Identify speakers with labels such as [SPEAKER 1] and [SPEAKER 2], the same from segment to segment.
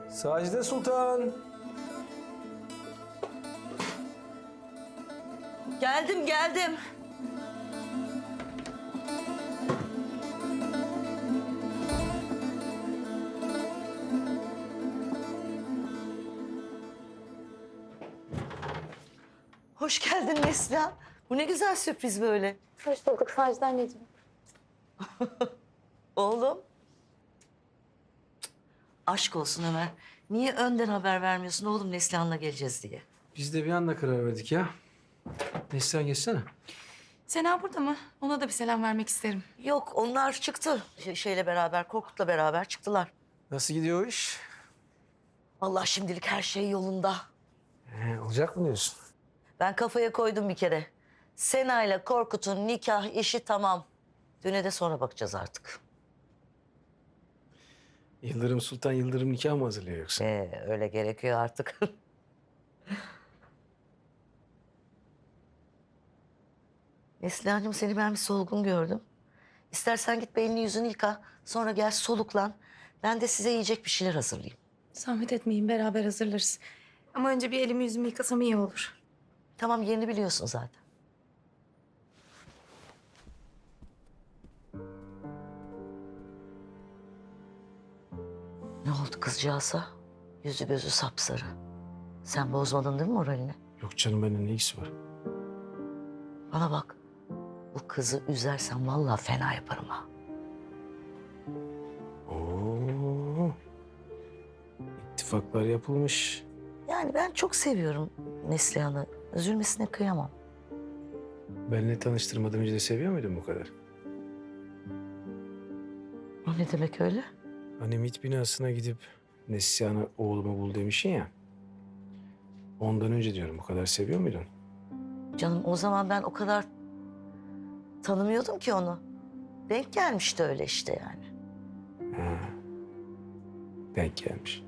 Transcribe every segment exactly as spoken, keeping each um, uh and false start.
[SPEAKER 1] Sacide Sultan.
[SPEAKER 2] Geldim, geldim. Hoş geldin Neslihan. Bu ne güzel sürpriz böyle.
[SPEAKER 3] Hoş bulduk Sacide anneciğim.
[SPEAKER 2] Oğlum. Cık, aşk olsun Ömer. Niye önden haber vermiyorsun oğlum Neslihan'la geleceğiz diye?
[SPEAKER 1] Biz de bir anda karar verdik ya. Neslihan geçsene.
[SPEAKER 3] Sena burada mı? Ona da bir selam vermek isterim.
[SPEAKER 2] Yok onlar çıktı Ş- şeyle beraber, Korkut'la beraber çıktılar.
[SPEAKER 1] Nasıl gidiyor o iş?
[SPEAKER 2] Allah şimdilik her şey yolunda.
[SPEAKER 1] Ee, olacak mı diyorsun?
[SPEAKER 2] Ben kafaya koydum bir kere. Sena ile Korkut'un nikah işi tamam. Düğüne de sonra bakacağız artık.
[SPEAKER 1] Yıldırım Sultan Yıldırım nikah mı hazırlıyor yoksa?
[SPEAKER 2] Ee, öyle gerekiyor artık. Neslihan'cığım seni ben bir solgun gördüm. İstersen git belini yüzünü yıka. Sonra gel soluklan. Ben de size yiyecek bir şeyler hazırlayayım.
[SPEAKER 3] Zahmet etmeyin, beraber hazırlarız. Ama önce bir elimi yüzümü yıkasam iyi olur.
[SPEAKER 2] Tamam yerini biliyorsun zaten. Ne oldu kızcağıza? Yüzü gözü sapsarı. Sen bozmadın değil mi moralini?
[SPEAKER 1] Yok canım, benimle ne ilgisi var?
[SPEAKER 2] Bana bak. Bu kızı üzersen vallahi fena yaparım ha.
[SPEAKER 1] Oo. İttifaklar yapılmış.
[SPEAKER 2] Yani ben çok seviyorum Neslihan'ı. Üzülmesine kıyamam.
[SPEAKER 1] Benimle tanıştırmadan önce de seviyor muydun bu kadar?
[SPEAKER 2] O ne demek öyle?
[SPEAKER 1] Hani MİT binasına gidip Neslihan'ı oğluma bul demişsin ya. Ondan önce diyorum, bu kadar seviyor muydun?
[SPEAKER 2] Canım o zaman ben o kadar tanımıyordum ki onu. Denk gelmişti öyle işte yani.
[SPEAKER 1] Ha. Denk gelmiş.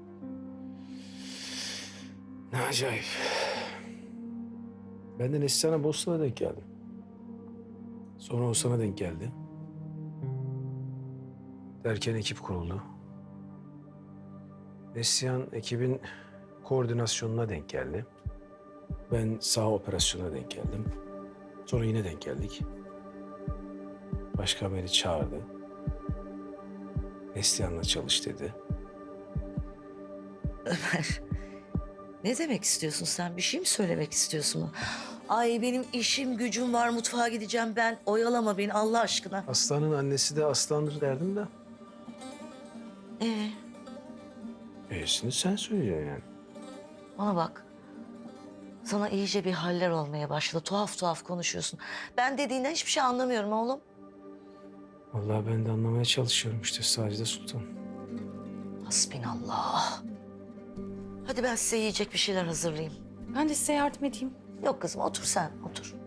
[SPEAKER 1] Ne acayip. Ben de Neslihan'a Bosna'da denk geldim. Sonra o sana denk geldi. Derken ekip kuruldu. Neslihan ekibin koordinasyonuna denk geldi. Ben sağ operasyona denk geldim. Sonra yine denk geldik. Başkan beni çağırdı. Neslihan'la çalış dedi.
[SPEAKER 2] Ömer, ne demek istiyorsun sen? Bir şey mi söylemek istiyorsun? Ay benim işim gücüm var, mutfağa gideceğim ben. Oyalama beni Allah aşkına.
[SPEAKER 1] Aslanın annesi de aslandır derdim de.
[SPEAKER 2] Ee,
[SPEAKER 1] E'sini sen söyleyeceksin yani.
[SPEAKER 2] bana bak. Sana iyice bir haller olmaya başladı. Tuhaf tuhaf konuşuyorsun. Ben dediğinden hiçbir şey anlamıyorum oğlum.
[SPEAKER 1] Vallahi ben de anlamaya çalışıyorum işte Sacide Sultan.
[SPEAKER 2] Hasbinallah. Hadi ben size yiyecek bir şeyler hazırlayayım.
[SPEAKER 3] Ben de size yardım edeyim.
[SPEAKER 2] Yok kızım otur sen otur.